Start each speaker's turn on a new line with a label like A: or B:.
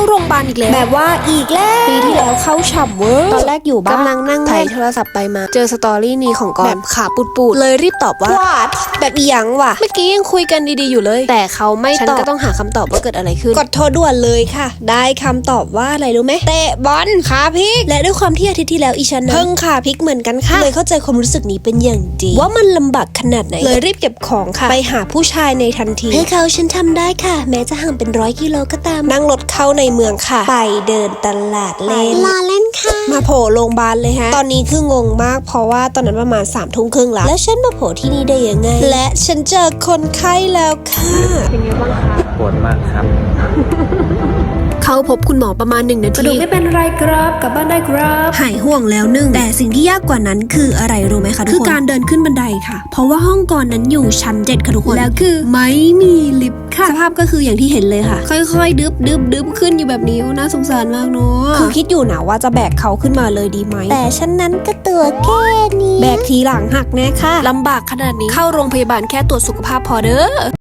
A: โรงพยาบาลอีกแล้วแบบว่าอีกแล้วปีที่แล้วเข้าฉ่ำเวอร์ตอนแรกอยู่บ้านกำลังนั่งถ่ายโทรศัพท์ไปมาเจอสตอรี่นี้ของกอนแบบขาปูดเลยรีบตอบว่าแบบอีหยังวะเมื่อกี้ยังคุยกันดีๆอยู่เลยแต่เขาไม่ตอบฉันก็ต้องหาคำตอบว่าเกิดอะไรขึ้นกดโทรด่วนเลยค่ะได้คำตอบว่าอะไรรู้ไหมเตะบอลขาพลิกและด้วยความที่อาทิตย์ที่แล้วอีฉันเพิ่งขาพลิกเหมือนกันค่ะเลยเข้าใจความรู้สึกนี้เป็นอย่างดีว่ามันลำบากขนาดไหนเลยรีบเก็บของค่ะไปหาผู้ชายในทันทีให้เขาฉันทำได้ค่ะแม้จะห่างเป็น100 กิโลก็ตามนั่งรถเข้าในเมืองค่ะไปเดินตลาดเล่นลาเล่นค่ะมาโผล่โรงพยาบาลเลยฮะตอนนี้คืองงมากเพราะว่าตอนนั้นประมาณ3 ทุ่มครึ่งแล้วฉันมาโผล่ที่นี่ได้ยังไงและฉันเจอคนไข้แล้วค่ะเป็นยังไงบ้างคะ
B: ปวดมากครับ
A: เข้าพบคุณหมอประมาณ1 นาที
C: กระดูกไม่เป็นไรครับกลับบ้านได้ครับ
A: หายห่วงแล้ว1แต่สิ่งที่ยากกว่านั้นคืออะไรรู้ไหมคะทุกคนคือการเดินขึ้นบันไดค่ะเพราะว่าห้องก่อนนั้นอยู่ชั้น7ค่ะทุกคนแล้วคือไม่มีลิฟต์ค่ะสภาพก็คืออย่างที่เห็นเลยค่ะค่อยๆดึบขึ้นอยู่แบบนี้น่าสงสารมากเนาะคือคิดอยู่นะว่าจะแบกเขาขึ้นมาเลยดีไหมแต่ฉันนั้นก็ตัวแค่นี้แบกทีหลังหักแน่ค่ะลำบากขนาดนี้เข้าโรงพยาบาลแค่ตรวจสุขภาพพอเด้อ